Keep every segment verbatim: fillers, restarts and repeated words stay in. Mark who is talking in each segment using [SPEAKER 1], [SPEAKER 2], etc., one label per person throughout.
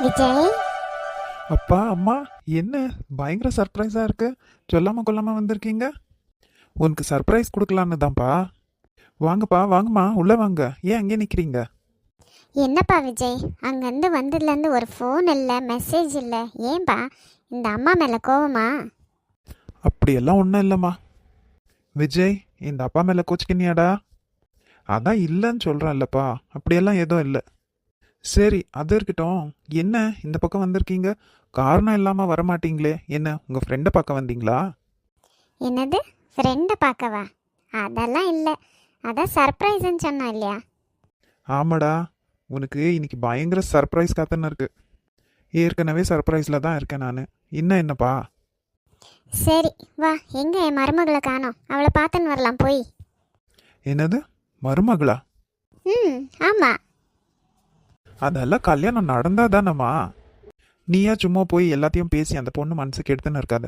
[SPEAKER 1] விஜய்.
[SPEAKER 2] அப்பா அம்மா, என்ன பயங்கர சர்ப்ரைஸாக இருக்கு. சொல்லாமல் கொல்லாமல் வந்திருக்கீங்க. உனக்கு சர்ப்ரைஸ் கொடுக்கலான்னு தான்ப்பா. வாங்கப்பா, வாங்கம்மா, உள்ளே வாங்க. ஏன் அங்கே நிற்கிறீங்க?
[SPEAKER 1] என்னப்பா விஜய், அங்கேருந்து வந்ததுலேருந்து ஒரு ஃபோன் இல்லை, மெசேஜ் இல்லை, ஏன்பா? இந்த அம்மா மேலே கோவமா?
[SPEAKER 2] அப்படியெல்லாம் ஒன்றும் இல்லைம்மா. விஜய், இந்த அப்பா மேலே கோச்சிக்கினியாடா? அதான் இல்லைன்னு சொல்கிறேன் இல்லைப்பா. அப்படியெல்லாம் எதுவும் இல்லை. சரி, அது இருக்கட்டும். என்ன இந்த பக்கம் வந்திருக்கீங்க? காரணம் இல்லாமல் வரமாட்டீங்களே. என்ன உங்கள் ஃப்ரெண்டை பார்க்க வந்தீங்களா?
[SPEAKER 1] என்னது, ஃப்ரெண்டை பார்க்கவா? அதெல்லாம் இல்லை, அதான் சர்ப்ரைஸ்ன்னு சொன்னோம் இல்லையா?
[SPEAKER 2] ஆமாடா, உனக்கு இன்னைக்கு பயங்கர சர்ப்ரைஸ் காத்துன்னு இருக்கு. ஏற்கனவே சர்ப்ரைஸில் தான் இருக்கேன் நான். இன்னும் என்னப்பா?
[SPEAKER 1] சரி வா, எங்கே என் மருமகளை காணோம், அவளை பார்த்துன்னு வரலாம் போய்.
[SPEAKER 2] என்னது, மருமகளா?
[SPEAKER 1] ம் ஆமாம்.
[SPEAKER 2] அதெல்லாம் கல்யாணம் நடந்தா தானம்மா. நீயா சும்மா போய் எல்லாத்தையும் பேசி அந்த பொண்ணு மனசுக்கு எடுத்துன்னு இருக்காத.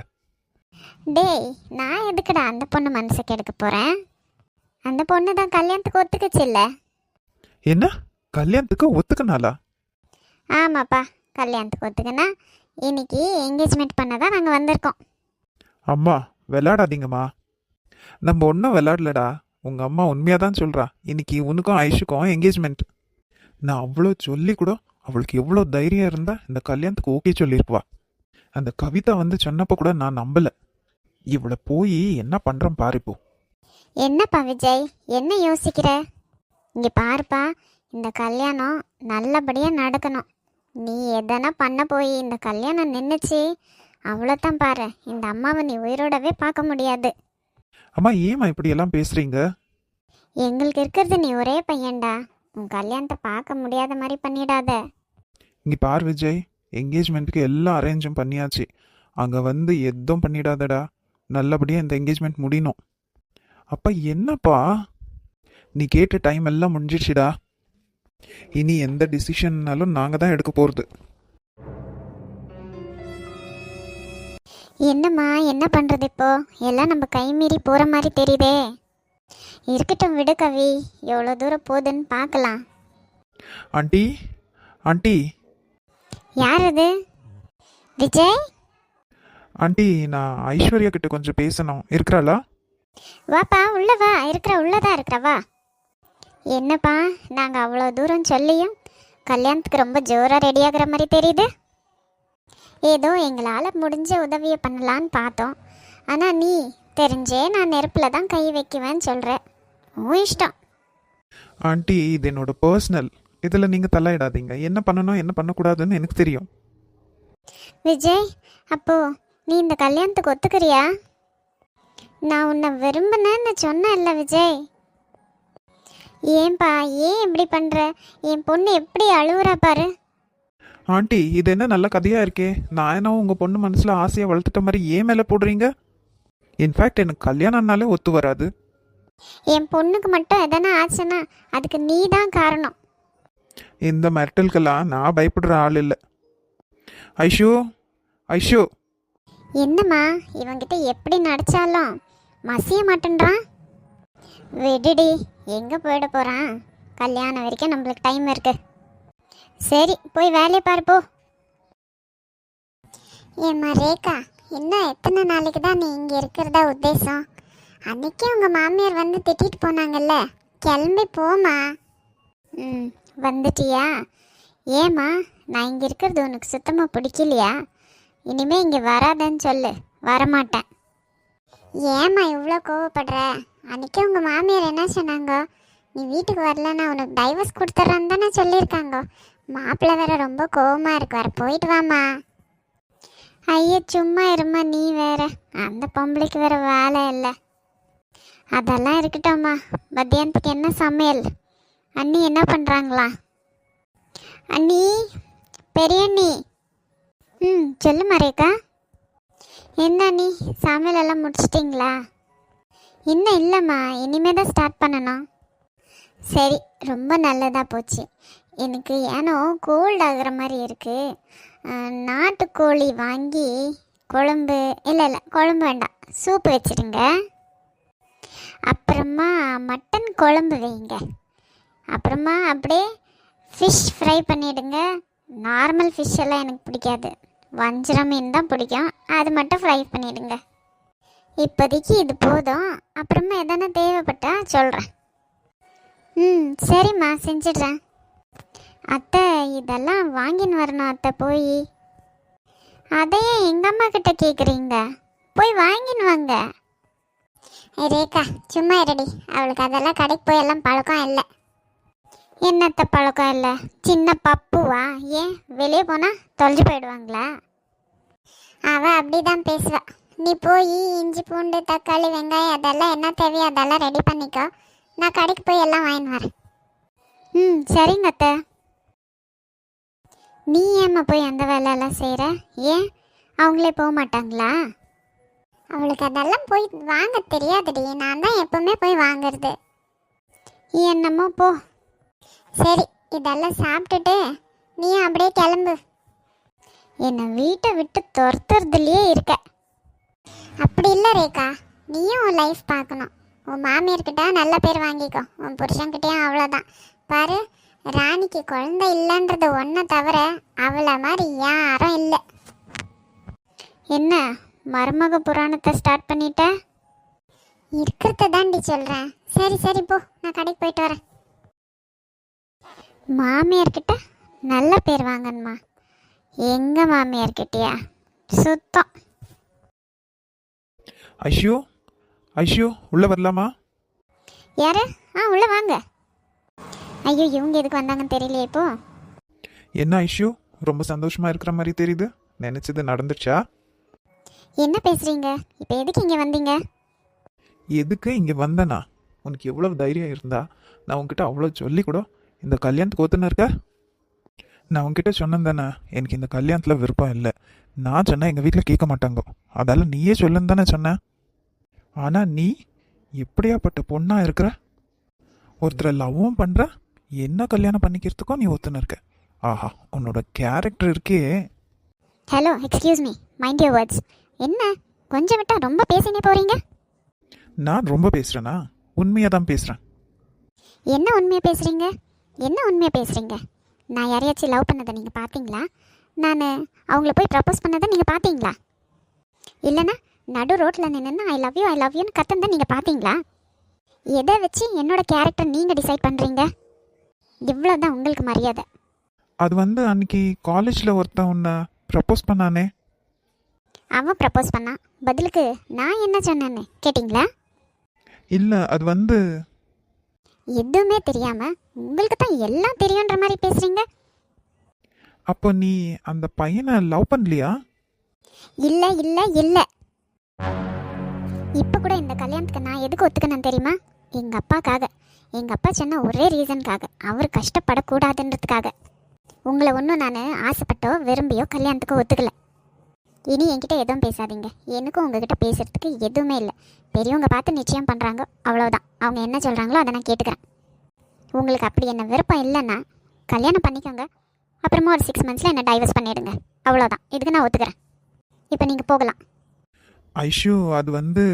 [SPEAKER 1] டேய், நான் எதுக்குடா அந்த பொண்ணு மனசுக்கு எடுக்க போகிறேன்? அந்த பொண்ணு தான் கல்யாணத்துக்கு ஒத்துக்குச்சு இல்லை?
[SPEAKER 2] என்ன, கல்யாணத்துக்கு ஒத்துக்கனாலா?
[SPEAKER 1] ஆமாப்பா, கல்யாணத்துக்கு ஒத்துக்குன்னா இன்னைக்கு என்கேஜ்மெண்ட் பண்ண தான் நாங்கள் வந்திருக்கோம்.
[SPEAKER 2] அம்மா, விளையாடாதீங்கம்மா. நம்ம ஒன்றும் விளையாடலடா. உங்கள் அம்மா உண்மையாக தான் சொல்கிறா. இன்னைக்கு உனக்கும் ஐஷுக்கும் என்கேஜ்மெண்ட். நான் அவ்வளோ சொல்லி கூட அவளுக்கு எவ்வளோ தைரியம் இருந்தால் இந்த கல்யாணத்துக்கு ஓகே சொல்லியிருப்பா. அந்த கவிதா வந்து சொன்னப்போ கூட நான் நம்பலை. இவளை போய் என்ன பண்ணுறேன் பாரு இப்போ.
[SPEAKER 1] என்னப்பா விஜய், என்ன யோசிக்கிற? இங்கே பாருப்பா, இந்த கல்யாணம் நல்லபடியாக நடக்கணும். நீ எதனா பண்ண போய் இந்த கல்யாணம் நின்றுச்சு, அவ்வளோதான் பாரு, இந்த அம்மாவை நீ உயிரோடவே பார்க்க முடியாது.
[SPEAKER 2] அம்மா, ஏம்மா இப்படி எல்லாம் பேசுறீங்க?
[SPEAKER 1] எங்களுக்கு இருக்கிறது நீ ஒரே பையன்டா, உன் கல்யாணத்தை பார்க்க முடியாத மாதிரி பண்ணிடாத.
[SPEAKER 2] இங்கே பார் விஜய், என்கேஜ்மெண்ட்டுக்கு எல்லாம் அரேஞ்சும் பண்ணியாச்சு. அங்கே வந்து எதுவும் பண்ணிடாதடா. நல்லபடியாக இந்த என்கேஜ்மெண்ட் முடியணும். அப்பா என்னப்பா, நீ கேட்ட டைம் எல்லாம் முடிஞ்சிடுச்சுடா. இனி எந்த டிசிஷன்னாலும் நாங்கள் தான் எடுக்க போகிறது.
[SPEAKER 1] என்னம்மா, என்ன பண்ணுறது இப்போ? எல்லாம் நம்ம கை மீறி போகிற மாதிரி தெரியுதே. இருக்கட்டும் விடு கவி, எவ்வளோ தூரம் போகுதுன்னு பார்க்கலாம்.
[SPEAKER 2] Aunty, aunty.
[SPEAKER 1] யார் அது? விஜய்.
[SPEAKER 2] ஆண்டி, நான் ஐஸ்வர்யா கிட்ட கொஞ்சம் பேசணும். இருக்கிறாளா?
[SPEAKER 1] வாப்பா, உள்ள வா, இருக்கிற உள்ளதான் இருக்கிற வா. என்னப்பா, நாங்கள் அவ்வளோ தூரம் சொல்லியும் கல்யாணத்துக்கு ரொம்ப ஜோராக ரெடியாகிற மாதிரி தெரியுது. ஏதோ எங்களால் முடிஞ்ச உதவியை பண்ணலான்னு பார்த்தோம். ஆனால் நீ தெரிஞ்சே நான் நெருப்பில் தான் கை வைக்குவேன்னு சொல்கிற. உன் இஷ்டம்.
[SPEAKER 2] ஆண்டி, இது என்னோட பர்சனல். இதில் நீங்கள் தலையிடாதீங்க. என்ன பண்ணணும் என்ன பண்ணக்கூடாதுன்னு எனக்கு தெரியும்.
[SPEAKER 1] விஜய், அப்போ நீ இந்த கல்யாணத்துக்கு ஒத்துக்கிறியா? நான் உன்னை விரும்பினேன்னு சொன்னேன்ல விஜய். ஏன்பா, ஏன் இப்படி பண்ணுற? என் பொண்ணு எப்படி அழுவுறா பாரு.
[SPEAKER 2] ஆண்டி, இது என்ன நல்ல கதையாக இருக்கே. நான் என்ன உங்கள் பொண்ணு மனசில் ஆசையாக வளர்த்துட்ட மாதிரி ஏன் மேலே போடுறீங்க? இன்ஃபேக்ட் எனக்கு கல்யாணம்னாலே ஒத்து வராது.
[SPEAKER 1] என் பொண்ணுக்கு மட்டும் எதனா ஆச்சுன்னா அதுக்கு நீ தான் காரணம்.
[SPEAKER 2] இந்த மிரட்டலுக்கெல்லாம் நான் பயப்படுற ஆள் இல்லை. ஐஷு, ஐஷு.
[SPEAKER 1] என்னம்மா, இவங்கிட்ட எப்படி நடிச்சாலும் மசிய மாட்டேன்றான். விடுடி, எங்கே போயிட போகிறான்? கல்யாணம் வரைக்கும் நம்மளுக்கு டைம் இருக்கு. சரி, போய் வேலையை பாருப்போ. ஏம்மா ரேகா, இன்னும் எத்தனை நாளைக்கு தான் நீ இங்கே இருக்கிறதா உத்தேசம்? அன்னைக்கே உங்கள் மாமியார் வந்து திட்டிட்டு போனாங்கல்ல, கிளம்பி போமா. ம், வந்துட்டியா? ஏம்மா, நான் இங்கே இருக்கிறது உனக்கு சுத்தமாக பிடிக்கலையா? இனிமேல் இங்கே வராதன்னு சொல்லு, வரமாட்டேன். ஏம்மா இவ்வளோ கோவப்படுற? அன்றைக்கே உங்கள் மாமியார் என்ன சொன்னாங்க? நீ வீட்டுக்கு வரலன்னா உனக்கு டைவர்ஸ் கொடுத்துட்றேன்னு தானே சொல்லியிருக்காங்க. மாப்பிள்ளை வேற ரொம்ப கோவமாக இருக்கு, வர போயிட்டு வாம்மா. ஐயோ சும்மா இருமா, நீ வேற. அந்த பொம்பளைக்கு வேற வேலை இல்லை. அதெல்லாம் இருக்கட்டும்மா. மத்தியானத்துக்கு என்ன சமையல்? அண்ணி என்ன பண்ணுறாங்களா? அண்ணி, பெரிய அண்ணி. ம் சொல்லுமா ரேகா. என்ன அண்ணி, சமையல் எல்லாம் முடிச்சிட்டிங்களா? இன்னும் இல்லைம்மா, இனிமே தான் ஸ்டார்ட் பண்ணணும். சரி, ரொம்ப நல்லதாக போச்சு. எனக்கு ஏனோ கோல்ட் ஆகிற மாதிரி இருக்குது. நாட்டுக்கோழி வாங்கி குழம்பு, இல்லை இல்லை குழம்பு வேண்டாம், சூப்பு வச்சுருங்க. அப்புறமா மட்டன் குழம்பு வைங்க. அப்புறமா அப்படியே ஃபிஷ் ஃப்ரை பண்ணிவிடுங்க. நார்மல் ஃபிஷ் எல்லாம் எனக்கு பிடிக்காது, வஞ்சரம் மீன் தான் பிடிக்கும். அது மட்டும் ஃப்ரை பண்ணிடுங்க. இப்போதைக்கு இது போதும், அப்புறமா எதனா தேவைப்பட்டா சொல்கிறேன். ம் சரிம்மா, செஞ்சிடுறேன். அத்தை இதெல்லாம் வாங்கின்னு வரணும் அத்தை போய். அதையே எங்கள் அம்மா கிட்ட கேட்குறீங்க, போய் வாங்கின்னு வாங்க. ரேகா சும்மா இருடி, அவளுக்கு அதெல்லாம் கடைக்கு போய் எல்லாம் பழக்கம் இல்லை. என்னத்த பழக்கம் இல்லை? சின்ன பப்புவா? ஏன் வெளியே போனால் தொலைஞ்சு போயிடுவாங்களா? அவள் அப்படி தான் பேசுவா. நீ போய் இஞ்சி பூண்டு தக்காளி வெங்காயம் அதெல்லாம் என்ன தேவையோ அதெல்லாம் ரெடி பண்ணிக்கோ, நான் கடைக்கு போய் எல்லாம் வாங்கின்னு வரேன். ம் சரிங்க அத்தை. நீ ஏம்மா போய் அந்த வேலையெல்லாம் செய்கிற? ஏன் அவங்களே போக மாட்டாங்களா? அவளுக்கு அதெல்லாம் போய் வாங்க தெரியாதுடி, நான் தான் எப்பவுமே போய் வாங்குறது. என்னமோ போ. சரி இதெல்லாம் சாப்பிட்டுட்டு நீயும் அப்படியே கிளம்பு. என்னை வீட்டை விட்டு துரத்துறதுலையே இருக்க. அப்படி இல்லை ரேகா, நீயும் உன் லைஃப் பார்க்கணும். உன் மாமியார்கிட்ட நல்ல பேர் வாங்கிக்கோ, உன் புருஷன்கிட்டயும் அவ்வளோதான். பாரு, ராணிக்கு குழந்தை இல்லைன்றது ஒன்றை தவிர அவளை மாதிரி யாரும் இல்லை. என்ன மருமக புராணத்தை ஸ்டார்ட் பண்ணிட்ட? இருக்கிறத தாண்டி சொல்கிறேன். சரி சரி போ, நான் கடைக்கு போயிட்டு வரேன். மாமியார்கிட்ட நல்ல பேர் வாங்கணுமா? எங்கள் மாமியார்கிட்டயா? சுத்தம்.
[SPEAKER 2] ஐஷு, ஐஷு உள்ள வரலாமா?
[SPEAKER 1] யாரு? ஆ உள்ள வாங்க. ஐயோ இவங்க எதுக்கு வந்தாங்கன்னு தெரியலையே இப்போ.
[SPEAKER 2] என்ன ஐஷு, ரொம்ப சந்தோஷமா இருக்கிற மாதிரி தெரியுது. நினைச்சது நடந்துச்சா?
[SPEAKER 1] என்ன பேசுறீங்க? இப்போ எதுக்கு இங்கே வந்தீங்க?
[SPEAKER 2] எதுக்கு இங்கே வந்தனா? உனக்கு எவ்வளோ தைரியம் இருந்தா நான் உன்கிட்ட அவ்வளோ சொல்லி கூட இந்த கல்யாணத்துக்கு ஒத்துன்னு இருக்க? நான் உன்கிட்ட சொன்னேன் தானே எனக்கு இந்த கல்யாணத்தில் விருப்பம் இல்லை. நான் சொன்னேன் எங்கள் வீட்டில் கேட்க மாட்டாங்க, அதால் நீயே சொல்லுன்னு தானே சொன்னேன். ஆனால் நீ எப்படியாப்பட்ட பொண்ணாக இருக்கிற? ஒருத்தரை லவ்வும் பண்ணுற, என்ன கல்யாணம் பண்ணிக்கிறதுக்கும் நீ ஒத்துன்னு இருக்க. ஆஹா, உன்னோட கேரக்டர் இருக்கே.
[SPEAKER 1] Hello excuse me, mind your words. என்ன கொஞ்சம் விட்டா ரொம்ப பேசினே போறீங்க?
[SPEAKER 2] நான் ரொம்ப பேசுகிறேனா? உண்மையாக தான் பேசுகிறேன்.
[SPEAKER 1] என்ன உண்மையாக பேசுகிறீங்க? என்ன உண்மையாக பேசுகிறீங்க? நான் யாரையாச்சும் லவ் பண்ணதை நீங்கள் பார்த்தீங்களா? நான் அவங்கள போய் ப்ரப்போஸ் பண்ணதை நீங்கள் பார்த்தீங்களா? இல்லைன்னா நடு ரோட்டில் நின்று I love you I love யூன்னு கத்தந்தான் நீங்கள் பார்த்தீங்களா? எதை வச்சு என்னோட கேரக்டர் நீங்கள் டிசைட் பண்ணுறீங்க? இவ்வளோ தான் உங்களுக்கு மரியாதை.
[SPEAKER 2] அது வந்து அன்னைக்கு காலேஜில் ஒருத்தன் உன்னை ப்ரப்போஸ் பண்ணானே.
[SPEAKER 1] அவன் ப்ரப்போஸ் பண்ணான், பதிலுக்கு நான் என்ன சொன்னேன்னு கேட்டிங்களா?
[SPEAKER 2] இல்லை, அது வந்து
[SPEAKER 1] எதுவுமே தெரியாமல் உங்களுக்கு தான் எல்லாம் தெரியுன்ற மாதிரி பேசுகிறீங்க.
[SPEAKER 2] அப்போ நீ அந்த பையனை லவ் பண்ணலையா?
[SPEAKER 1] இல்லை இல்லை இல்லை. இப்போ கூட இந்த கல்யாணத்துக்கு நான் எதுக்கு ஒத்துக்கணும் தெரியுமா? எங்கள் அப்பாக்காக. எங்கள் அப்பா சொன்ன ஒரே ரீசனுக்காக, அவர் கஷ்டப்படக்கூடாதுன்றதுக்காக. உங்களை ஒன்றும் நான் ஆசைப்பட்டோ விரும்பியோ கல்யாணத்துக்கு ஒத்துக்கலை. இனி என்கிட்ட எதுவும் பேசாதீங்க. எனக்கும் உங்ககிட்ட பேசுகிறதுக்கு எதுவுமே இல்லை. பெரியவங்க பார்த்து நிச்சயம் பண்ணுறாங்க, அவ்வளோதான். அவங்க என்ன சொல்கிறாங்களோ அதை நான் கேட்டுக்கிறேன். உங்களுக்கு அப்படி என்ன விருப்பம் இல்லைன்னா கல்யாணம் பண்ணிக்கோங்க, அப்புறமா ஒரு சிக்ஸ் மந்த்ஸில் என்ன டைவர்ஸ் பண்ணிவிடுங்க, அவ்வளோதான். இதுக்கு நான் ஒத்துக்கிறேன். இப்போ நீங்கள் போகலாம்.
[SPEAKER 2] ஐஷு, அது வந்து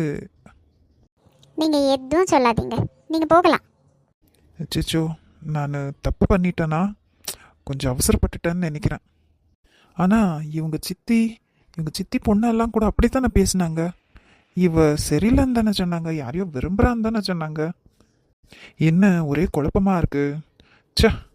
[SPEAKER 1] நீங்கள் எதுவும் சொல்லாதீங்க, நீங்கள் போகலாம்.
[SPEAKER 2] சிச்சோ, நான் தப்பு பண்ணிட்டேனா? கொஞ்சம் அவசரப்பட்டுட்டேன்னு நினைக்கிறேன். ஆனால் இவங்க சித்தி இவங்க சித்தி பொண்ணெல்லாம் கூட அப்படித்தானே பேசினாங்க. இவ சரியில்லைன்னு தானே சொன்னாங்க, யாரையோ விரும்புகிறான்னு தானே சொன்னாங்க. என்ன ஒரே குழப்பமாக இருக்கு. ச்சே.